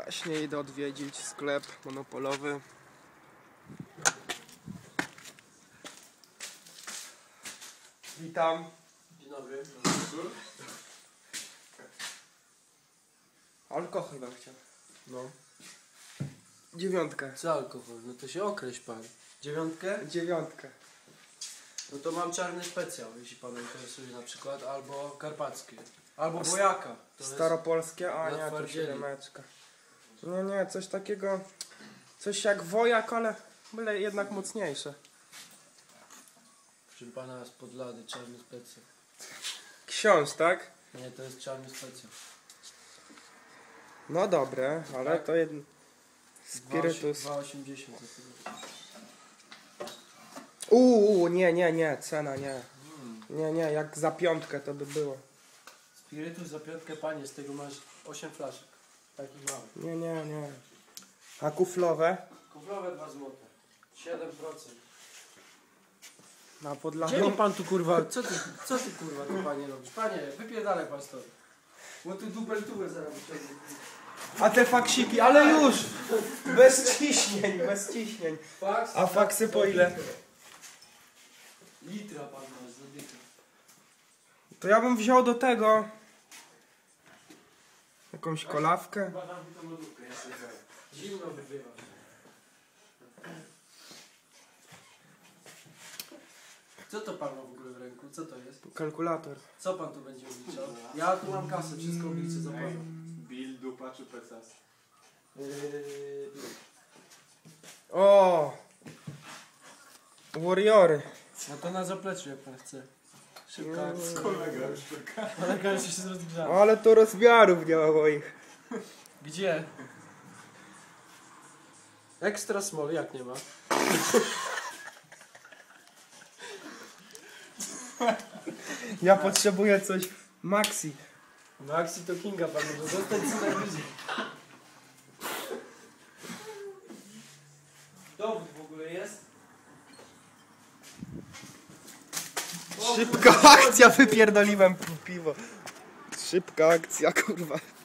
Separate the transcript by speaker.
Speaker 1: Właśnie idę odwiedzić sklep monopolowy. Witam.
Speaker 2: Dzień dobry.
Speaker 1: Alkohol bym chciał.
Speaker 2: No.
Speaker 1: 9.
Speaker 2: Co alkohol? No to się określ pan. 9?
Speaker 1: 9.
Speaker 2: No to mam czarny specjał, jeśli pana interesuje na przykład, albo karpackie. Albo bojaka. To
Speaker 1: Staropolskie? A
Speaker 2: na
Speaker 1: nie, to
Speaker 2: twardzieli.
Speaker 1: 7. Nie, coś takiego. Coś jak wojak, ale byle jednak mocniejsze.
Speaker 2: Proszę pana z Podlady, czarny specjał.
Speaker 1: Książ, tak?
Speaker 2: Nie, to jest czarny specjał.
Speaker 1: No dobre, ale
Speaker 2: Tak?
Speaker 1: to jeden. Spirytus.
Speaker 2: 2,80 za tego.
Speaker 1: Nie, cena nie. Nie, jak za 5 to by było.
Speaker 2: Spirytus za 5, panie, z tego masz 8 flaszek. Takich małych.
Speaker 1: Nie. A kuflowe?
Speaker 2: Kuflowe 2 zł. 7%.
Speaker 1: Na
Speaker 2: Gdzie
Speaker 1: Podlasiu.
Speaker 2: mi pan tu kurwa, co ty kurwa tu panie robisz? Panie, wypierdalaj pan stąd. Bo tu dubeltówę zaraz wyciągnę.
Speaker 1: A te faksiki, ale już! Bez ciśnień.
Speaker 2: Faks?
Speaker 1: A faksy po ile?
Speaker 2: Litra pan masz, za dychę.
Speaker 1: To ja bym wziął do tego jakąś kolawkę.
Speaker 2: Chyba dam mi tą lodówkę, ja sobie zdaję. Zimno wybywa. Co to pan ma w ogóle w ręku? Co to jest?
Speaker 1: Kalkulator.
Speaker 2: Co pan tu będzie obliczał? Ja tu mam kasę, wszystko obliczę za pana.
Speaker 3: Bill, dupa czy pecas?
Speaker 1: O! Warriory.
Speaker 2: No to na zapleczu jak pan chce. Szybka
Speaker 1: No.
Speaker 2: akcja.
Speaker 3: Kolega już czeka.
Speaker 2: Kolega już się rozgrzał.
Speaker 1: Ale to rozmiarów nie ma moich.
Speaker 2: Gdzie? Extra small, jak nie ma?
Speaker 1: Ja potrzebuję coś maxi.
Speaker 2: Maxi to Kinga pan może zostać co najwyżej. Dowód w ogóle jest?
Speaker 1: Szybka akcja, wypierdoliłem piwo. Szybka akcja, kurwa.